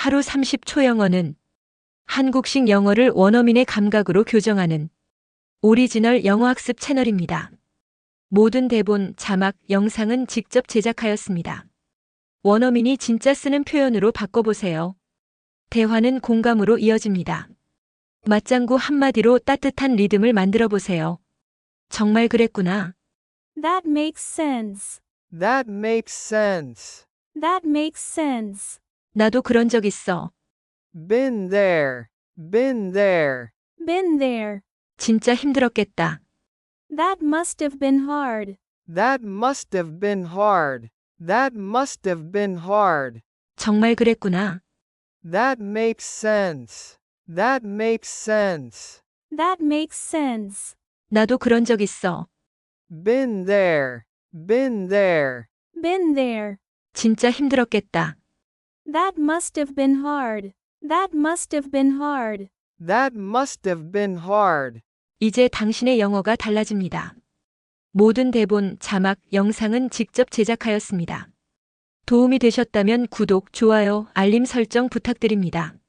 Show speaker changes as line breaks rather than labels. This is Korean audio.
하루 30초 영어는 한국식 영어를 원어민의 감각으로 교정하는 오리지널 영어학습 채널입니다. 모든 대본, 자막, 영상은 직접 제작하였습니다. 원어민이 진짜 쓰는 표현으로 바꿔보세요. 대화는 공감으로 이어집니다. 맞장구 한마디로 따뜻한 리듬을 만들어 보세요. 정말 그랬구나.
That makes sense.
That makes sense.
That makes sense.
나도 그런 적 있어.
Been there. Been there.
Been there.
진짜 힘들었겠다.
That must have been hard.
That must have been hard. That must have been hard.
정말 그랬구나.
That makes sense. That makes sense.
That makes sense.
나도 그런 적 있어.
Been there. Been there.
Been there.
진짜 힘들었겠다.
That must have been hard. That must have been hard.
That must have been hard.
이제 당신의 영어가 달라집니다. 모든 대본, 자막, 영상은 직접 제작하였습니다. 도움이 되셨다면 구독, 좋아요, 알림 설정 부탁드립니다.